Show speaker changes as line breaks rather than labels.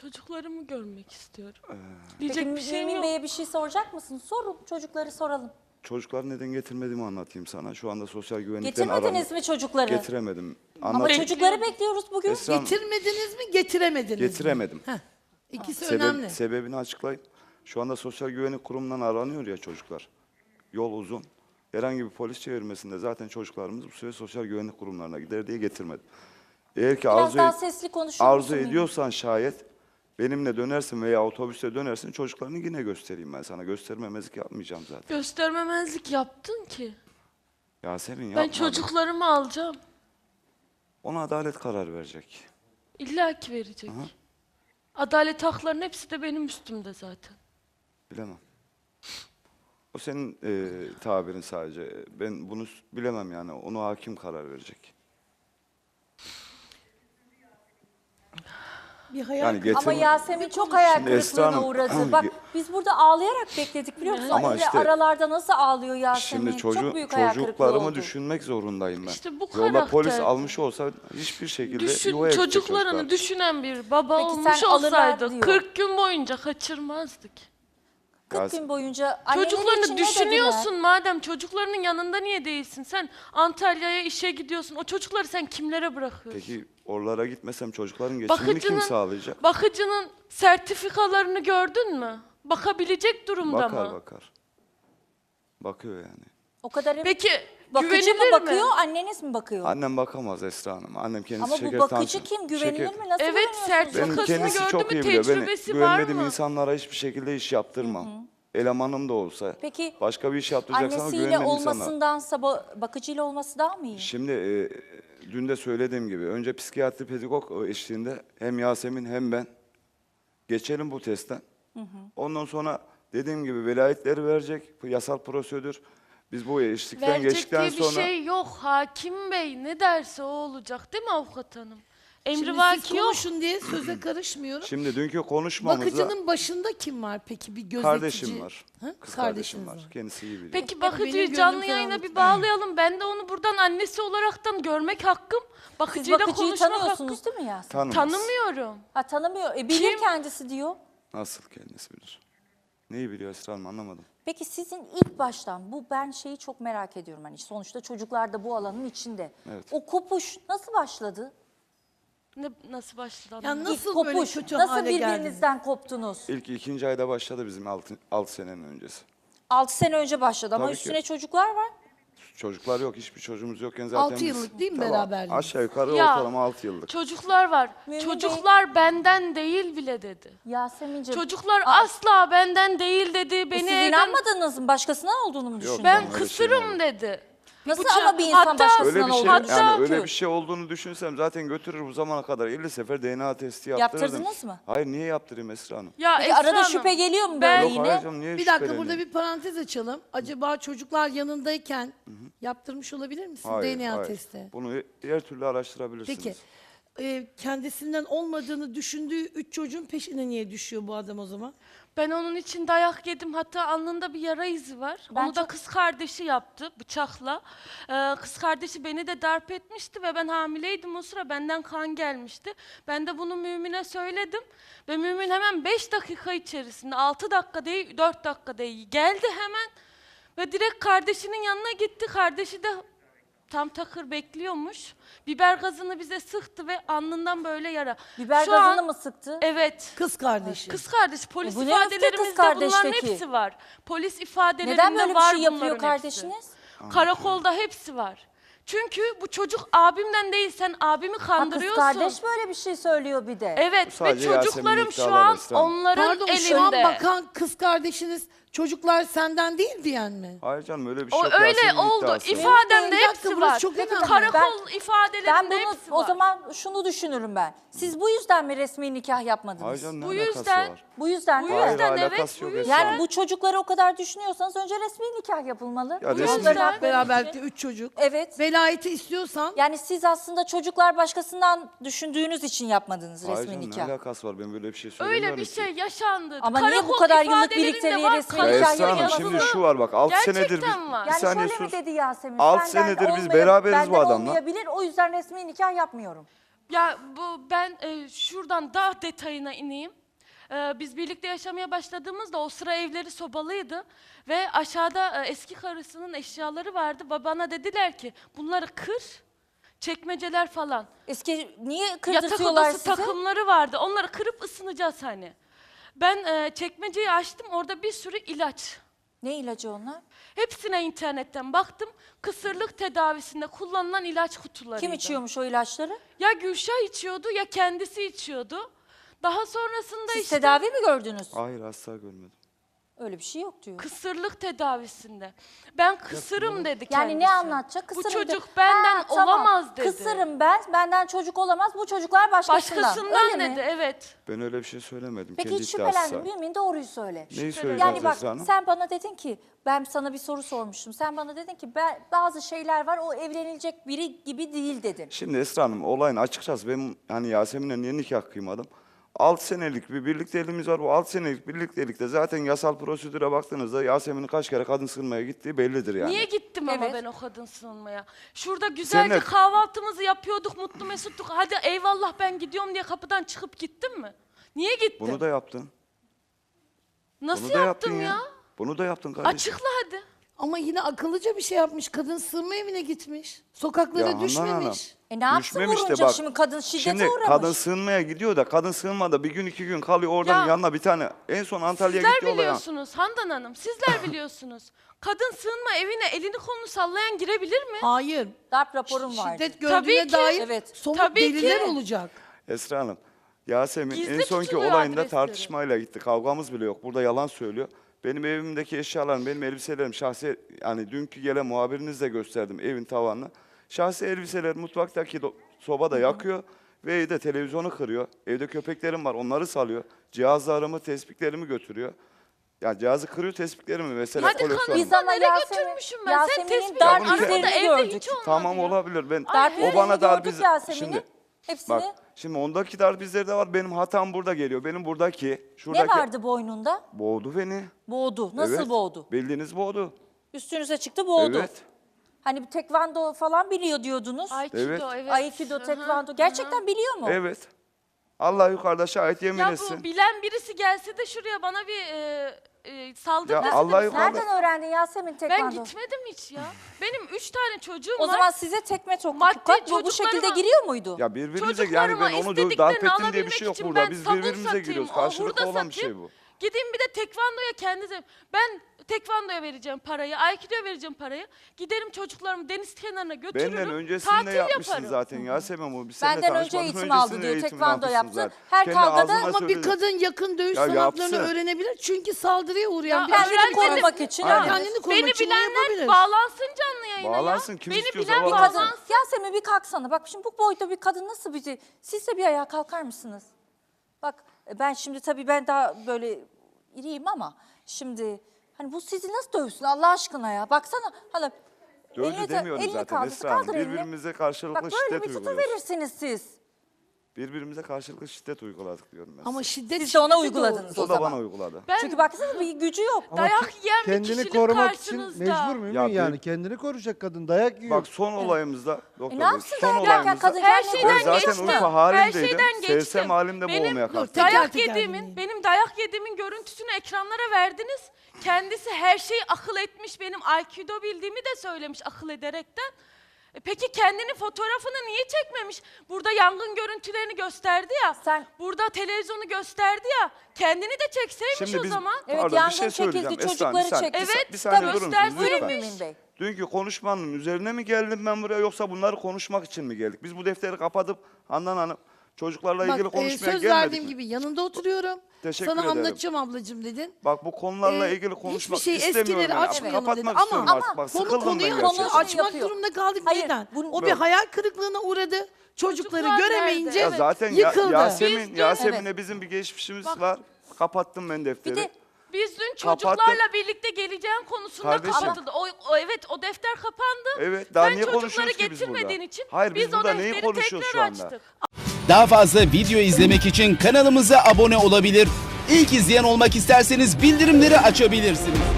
Çocuklarımı görmek istiyorum.
Peki
Diyecek bir şeyim
Mümin
yok.
Bey'e bir şey soracak mısın? Sorun, çocukları soralım.
Çocukları neden getirmediğimi anlatayım sana. Şu anda sosyal güvenlikten
Getirmediniz mi çocukları?
Getiremedim.
Ama çocukları bekliyoruz bugün.
Esra Hanım,
Getirmediniz mi, getiremediniz mi?
getiremedim.
Heh, İkisi önemli.
Sebebini açıklayayım. Şu anda sosyal güvenlik kurumundan aranıyor ya çocuklar. Yol uzun. Herhangi bir polis çevirmesinde zaten çocuklarımız bu süre sosyal güvenlik kurumlarına gider diye getirmedim. Eğer ki
Biraz daha sesli konuşur
arzu
musun Mümin?
ediyorsan şayet benimle dönersin veya otobüste dönersin, çocuklarını yine göstereyim ben sana. Göstermemezlik yapmayacağım zaten.
Göstermemezlik yaptın ki.
Yasemin
Ben
yapma.
çocuklarımı alacağım.
Ona adalet karar verecek.
İlla ki verecek.
Aha.
Adalet haklarının hepsi de benim üstümde zaten.
Bilemem. O senin tabirin sadece. Ben bunu bilemem yani. Onu hakim karar verecek.
Bir hayal
Yani getir-
Ama Yasemin çok hayal
Şimdi Esra
kırıklığına
Hanım-
uğradı. Bak biz burada ağlayarak bekledik biliyor musun?
Ama
Öyle
işte-
aralarda nasıl ağlıyor Yasemin?
Şimdi
çok büyük hayal kırıklığı
çocuklarımı
oldu.
düşünmek zorundayım ben.
İşte bu
Yolda polis
karakter.
almış olsa hiçbir şekilde yuvaya gidecek
Çocuklarını
çocuklar.
düşünen bir baba
Peki
olmuş
sen alırlar
olsaydı
diyor.
40 gün boyunca kaçırmazdık.
40 gün boyunca anneleri için
Çocuklarını
ne
düşünüyorsun
dediler?
madem, çocuklarının yanında niye değilsin? Sen Antalya'ya işe gidiyorsun. O çocukları sen kimlere bırakıyorsun?
Peki oralara gitmesem çocukların geçimini kim sağlayacak?
Bakıcının sertifikalarını gördün mü? Bakabilecek durumda
Bakar
mı?
bakar. Bakıyor yani.
O kadar
Peki
bakıcı mı
güvenilir
bakıyor,
mi?
anneniz mi bakıyor?
Annem bakamaz Esra Hanım. Annem kendisi
Ama bu
şeker
bakıcı
tansiyon-
kim? Güvenilir
şeker-
mi? Nasıl
Evet,
güveniyorsunuz?
sertifika-
Benim
Bakasını
kendisi
gördü
çok
mü,
iyi biliyor. Ben
tecrübesi var
güvenmediğim
mı?
insanlara hiçbir şekilde iş yaptırmam. Elemanım da olsa.
Peki
Başka bir iş yaptıracaksan
annesiyle
güvenmediğim insanlar.
olmasındansa bakıcıyla olması daha mı iyi?
Şimdi dün de söylediğim gibi önce psikiyatri pedagog eşliğinde hem Yasemin hem ben geçelim bu testten. Ondan sonra dediğim gibi velayetleri verecek bu yasal prosedür. Biz bu eşlikten
Verecek
geçtikten
diye bir
sonra
şey yok. Hakim Bey ne derse o olacak değil mi avukat hanım?
Şimdi siz
Emrivaki yok.
konuşun diye söze karışmıyorum.
şimdi dünkü konuşmamızda
Bakıcının başında kim var peki, bir gözetici?
kardeşim var.
Ha?
Kız
Kardeşiniz
kardeşim var.
var.
Kendisi iyi biliyor.
Peki
benim
bakıcıyı
gönlüm
canlı
ferah
yayına
oldu.
bir bağlayalım. Ben de onu buradan annesi olaraktan görmek hakkım.
Siz
Bakıcıyla
bakıcıyı
konuşmak hakkım.
tanıyorsunuz değil mi Yasemin?
Tanımaz.
Tanımıyorum.
Ha tanımıyor. Bilir
Kim?
kendisi diyor.
Nasıl kendisi bilir? Neyi biliyor Esra Hanım anlamadım.
Peki sizin ilk baştan ben şeyi çok merak ediyorum hani sonuçta çocuklar da bu alanın içinde.
Evet.
O kopuş nasıl başladı?
Nasıl başladı?
Ya
anlamadım.
nasıl
İlk
böyle
kopuş,
kötü
nasıl
hale geldiniz?
birbirinizden koptunuz?
İlk ikinci ayda başladı bizim 6 senenin öncesi.
6 sene önce başladı ama
Tabii ki.
üstüne çocuklar var.
Çocuklar yok, hiçbir çocuğumuz yokken zaten
6
biz-
yıllık değil mi
Tabii,
beraberliğiniz?
Aşağı yukarı
Ya,
ortalama 6 yıllık.
Çocuklar var.
Mümin
Çocuklar benden değil bile dedi.
Yasemin'ciğim
Çocuklar asla benden değil dedi. Beni
siz
evden...
inanmadınız mı? Başkasına olduğunu mu düşündünüz?
Ben
öyle şey
kısırım
olmadı.
dedi.
Nasıl
Bıçak-
ama bir insan
Hatta-
başkasından
Öyle bir şey,
olduğunu
yani
düşünür?
öyle bir şey olduğunu düşünsem zaten götürür bu zamana kadar 50 sefer DNA testi yaptırırdım.
Yaptırdınız mı?
Hayır, niye yaptırayım Esra Hanım?
Ya
Peki
Esra
arada
Hanım,
şüphe geliyor mu
ben-
böyle
Yok
yine?
hayır canım, niye
Bir dakika,
şüpheleneyim?
burada bir parantez açalım. Acaba çocuklar yanındayken yaptırmış olabilir misin
Hayır,
DNA
hayır.
testi?
Bunu her türlü araştırabilirsiniz.
Peki kendisinden olmadığını düşündüğü 3 çocuğun peşine niye düşüyor bu adam o zaman?
Ben onun için dayak yedim. Hatta alnında bir yara izi var.
Ben
Onu da
çok-
kız kardeşi yaptı bıçakla. Kız kardeşi beni de darp etmişti ve ben hamileydim o sıra. Benden kan gelmişti. Ben de bunu Mümin'e söyledim. Ve Mümin hemen 5 dakika içerisinde, 6 dakika değil 4 dakika değil geldi hemen. Ve direkt kardeşinin yanına gitti. Kardeşi de tam takır bekliyormuş. Biber gazını bize sıktı ve alnından böyle yara.
Biber
Şu
gazını
an-
mı sıktı?
Evet.
Kız kardeşi.
Kız kardeş, polis
bu ne öfke kız
ifadelerimizde bunların
kardeşteki?
hepsi var. Polis ifadelerinde
Neden böyle bir
var
şey yapıyor
bunların
kardeşiniz?
hepsi. Karakolda hepsi var. Çünkü bu çocuk abimden değil, sen abimi
Ha, kız
kandırıyorsun.
kardeş böyle bir şey söylüyor bir de.
Evet ve
Sadece
çocuklarım
Yasemin'in
şu
iddiaları
an
Esra Hanım.
onların
Pardon,
elinde.
şu an bakan kız kardeşiniz çocuklar senden değil diyen mi?
Hayır canım, öyle bir şey
O
yok.
öyle
Yasemin'in
oldu.
iddiası.
İfademde
Bir dakika,
hepsi
burası
var.
çok önemli.
Karakol
Ben
ifadelerinde
bunu
hepsi
o
var.
zaman şunu düşünürüm ben. Siz bu yüzden mi resmi nikah yapmadınız?
Hayır canım, ne
Bu
alakası
yüzden-
var?
Bu yüzden
Bu
değil mi?
yüzden
Hayır,
evet,
alakası
bu
yok
yüzden.
Esra
Yani
Hanım.
bu çocukları o kadar düşünüyorsanız önce resmi nikah yapılmalı.
Ya
Bu
resmi-
çocuklar
yüzden-
hak vermek
Beraberlikte
için.
3 çocuk.
Evet.
Velayeti istiyorsan
Yani siz aslında çocuklar başkasından düşündüğünüz için yapmadınız
Hayır
resmi
canım, ne
nikah.
alakası var? Ben böyle bir şey söylemiyorum
Öyle bir
ki.
şey yaşandı.
Ama niye bu
Karakol
kadar yıllık
ifadelerinde
birlikteliğe
var,
resmi
Ya
nikah
Esra Hanım,
yapılması?
şimdi şu var bak 6
Gerçekten
senedir biz...
var.
Bir
Yani
saniye
şöyle mi
sus.
dedi Yasemin?
6
Benden
senedir biz
olmaya-
beraberiz bu
benden
adamla.
olmayabilir, o yüzden resmi nikah yapmıyorum.
Ya ben şuradan daha detayına ineyim. Biz birlikte yaşamaya başladığımızda o sıra evleri sobalıydı ve aşağıda eski karısının eşyaları vardı. Bana dediler ki bunları kır, çekmeceler falan.
Niye
Yatak
kırdırtıyorlar
odası
size?
takımları vardı. Onları kırıp ısınacağız hani. Ben çekmeceyi açtım, orada bir sürü ilaç.
Ne ilacı onlar?
Hepsine internetten baktım. Kısırlık tedavisinde kullanılan ilaç kutularıydı.
Kim içiyormuş o ilaçları?
Ya Gülşah içiyordu ya kendisi içiyordu. Daha sonrasında
Siz
işte
tedavi mi gördünüz?
Hayır asla görmedim.
Öyle bir şey yok diyor.
kısırlık tedavisinde. Ben kısırım dedi kendisi.
Yani ne anlatacak?
Bu
Kısırım
çocuk
de-
benden
Ha, tamam.
olamaz dedi.
Benden çocuk olamaz, bu çocuklar başkasından.
Başkasından
Öyle
dedi,
mi?
evet.
Ben öyle bir şey söylemedim.
Peki
Kendi
hiç
iddiası.
şüphelendin Mümin, doğruyu söyle.
Neyi söyleyeceğiz
Yani bak
Esra Hanım?
sen bana dedin ki, ben sana bir soru sormuştum. Sen bana dedin ki bazı şeyler var, o evlenilecek biri gibi değil dedin.
Şimdi Esra Hanım olayın açıkçası ben hani Yasemin'le niye nikah kıymadım? 6 senelik bir birlikteliğimiz var. Bu 6 senelik birliktelikte zaten yasal prosedüre baktığınızda Yasemin'in kaç kere kadın sığınmaya gittiği bellidir yani.
Niye gittim ama
Evet.
ben o kadın sığınmaya? Şurada güzelce
Seninle-
kahvaltımızı yapıyorduk, mutlu mesuttuk. Hadi eyvallah ben gidiyorum diye kapıdan çıkıp gittim mi? Niye gittim?
Bunu da yaptın.
Nasıl
Bunu da yaptın
yaptım ya?
Bunu da yaptın kardeşim.
Açıkla hadi.
Ama yine akıllıca bir şey yapmış. Kadın sığınma evine gitmiş. Sokaklara
Ya Handan
düşmemiş.
Hanım,
Ne yapsın
düşmemiş de
vurunca
bak,
şimdi kadın şiddete
Şimdi
uğramış.
kadın sığınmaya gidiyor da kadın sığınmada bir gün 2 gün kalıyor oradan
Ya,
yanına bir tane. En son Antalya'ya
Sizler
gitti olaya.
biliyorsunuz Handan Hanım, sizler biliyorsunuz. Kadın sığınma evine elini kolunu sallayan girebilir mi?
Hayır.
Darp raporum vardı.
Şiddet
Tabii
gördüğüne
ki.
dair
Evet.
somut
Tabii
deliller
ki.
olacak.
Esra Hanım, Yasemin
Gizli
en sonki
tutuluyor
olayında
adresleri.
tartışmayla gitti. Kavgamız bile yok. Burada yalan söylüyor. Benim evimdeki eşyalarım, benim elbiselerim şahsi, yani dünkü gelen muhabirinizle gösterdim evin tavanını. Şahsi elbiseler mutfaktaki sobada yakıyor ve evde televizyonu kırıyor. Evde köpeklerim var, onları salıyor. Cihazlarımı, tespitlerimi götürüyor. Yani cihazı kırıyor, tespitlerimi mesela
Hadi
koleksiyon.
kanıtla
Biz ama
nereye
Yasemin-
götürmüşüm ben? Sen
Yasemin'in
tespit
darp
Ya bunu
arada
izlerini
evde
gördük.
hiç olmadı
Tamam
ya.
olabilir. Ben
Darp
o bana
izlerini
darp
gördük
iz-
Yasemin'in.
Şimdi
Hepsini.
bak, şimdi ondaki darp izleri de var. Benim hatam burada geliyor. Benim buradaki,
Ne
şuradaki
vardı boynunda?
boğdu beni.
Boğdu. Nasıl
Evet,
boğdu?
Bildiğiniz boğdu.
Üstünüze çıktı boğdu.
Evet.
Hani bir tekvando falan biliyor diyordunuz.
Aikido,
Evet.
evet.
Aikido,
Hı hı,
tekvando.
hı hı.
Gerçekten biliyor mu?
Evet. Allah yukarıda şahit yemin
Ya
etsin.
bu bilen birisi gelse de şuraya bana bir saldırı
Ya
dese de
Allah
biz-
yukarıda-
Nereden öğrendin Yasemin
Ben
tekvando?
gitmedim hiç ya. Benim 3 tane çocuğum
O
var.
zaman size tekme
Maddi
tokat bu şekilde
çocuklarıma-
giriyor muydu?
Ya birbirimize yani
Çocuklarıma
ben onu darp
istediklerini
ettim diye bir
alabilmek
şey yok
için
burada.
ben
Biz
sabun
birbirimize
satayım,
giriyoruz.
o
Karşılıklı
hurda
olan bir şey
satayım.
bu.
Gideyim bir de tekvandoya kendisi. Ben tekvandoya vereceğim parayı, aikidoya vereceğim parayı. Giderim çocuklarımı deniz kenarına götürürüm.
Benden öncesinde
tatil
yapmışsın
yaparım.
zaten Yasemin bu. Biz seninle
Benden önce
tanışmadan
eğitim aldı
öncesinde
diyor,
eğitimini
tekvando
almışsın
yaptı.
zaten.
Her
Kendi
kavgada-
ağzınla
Ama bir
söyledin.
kadın yakın dövüş
Ya
sanatlarını
yapsın.
öğrenebilir. Çünkü saldırıya uğrayan
Ya
bir
Kendini
öğrenmedim.
korumak için.
Aynen.
evet.
Kendini korumak
Beni
için bunu
bilenler
yapabilir.
bağlansın canlı yayına
Bağlansın,
ya.
kim
Beni
istiyorsa
bilen
bağlansın.
bağlansın.
Yasemin bir kalksana. Bak şimdi bu boyda bir kadın nasıl bir... Siz de bir ayağa kalkar mısınız? Bak ben şimdi tabii ben daha böyle iriyim ama şimdi... Hani bu sizi nasıl dövsün Allah aşkına ya? Baksana. Hala,
Dövdü demiyorum zaten
kaldır,
Esra Hanım.
kaldır elini.
Birbirimize
Bak
karşılıklı
böyle
şiddet
bir tutu
uyguluyoruz.
verirsiniz siz.
Birbirimize karşılıklı şiddet uyguladık diyorum ben.
Ama şiddet
Siz de ona
şiddeti
uyguladınız
doğru.
O da
zaman.
bana uyguladı.
Ben
Çünkü baksana bir gücü yok.
dayak yiyen bir
Kendini
kişilik
korumak için
karşınızda.
mecbur muyum?
Ya
Yani
bir-
kendini koruyacak kadın dayak yiyor.
Bak son olayımızda, doktor
Ne
Bey,
yapsın
son
dayak yerken
olayımızda
kadın
Her
kendini
şeyden
ben zaten
geçtim.
uyku
Her
halindeydim.
şeyden geçtim.
Sevsem halimde boğulmaya
Dur,
kalktım.
teker
Dayak
teker
yediğimin,
dinleyin.
benim dayak yediğimin görüntüsünü ekranlara verdiniz. Kendisi her şeyi akıl etmiş, benim Aikido bildiğimi de söylemiş akıl ederekten. Peki kendinin fotoğrafını niye çekmemiş? Burada yangın görüntülerini gösterdi ya. Burada televizyonu gösterdi ya. Kendini de çekseymiş
Şimdi
o
biz,
zaman.
Evet,
pardon,
yangın
bir şey söyleyeceğim.
çekildi,
Esra Hanım, bir
çocukları
saniye,
çekti.
Evet,
bir saniye
tabii,
durur musunuz
gösterseymiş.
lütfen?
Mümin Bey.
Dünkü konuşmanın üzerine mi geldim ben buraya yoksa bunları konuşmak için mi geldik? Biz bu defteri kapatıp Handan Hanım çocuklarla ilgili
Bak,
konuşmaya
söz
gelmedik
verdiğim
mi?
gibi yanında oturuyorum.
Teşekkür
Sana
ederim.
anlatacağım ablacığım dedin.
Bak bu konularla
Ee,
ilgili konuşmak
hiçbir şey
istemiyorum.
eskileri
yani.
açmayalım
Kapatmak
dedi.
istiyorum
Ama-
artık. Bak
Konu
sıkıldım ben
konuyu
gerçekten.
konuşun.
açmak
yapıyor.
durumunda kaldık.
Hayır,
Neden?
bunu-
O bir
Yok.
hayal kırıklığına uğradı. Çocukları
Çocuklar
göremeyince
nerede?
Ya zaten
yıkıldı.
Yasemin,
Biz-
Yasemin'le
Evet.
bizim bir geçmişimiz
Bak-
var. Kapattım ben defteri.
Bir de
Biz dün
Kapattı.
çocuklarla birlikte geleceğin konusunda
Kardeşim.
kapatıldı. Evet o defter kapandı.
Evet, daha
Sen
niye
çocukları
konuşuyoruz ki biz
getirmediğin
burada?
için
Hayır, biz
biz o
burada neyi
defteri
konuşuyoruz
tekrar
şu anda?
açtık.
Daha fazla video izlemek için kanalımıza abone olabilir. İlk izleyen olmak isterseniz bildirimleri açabilirsiniz.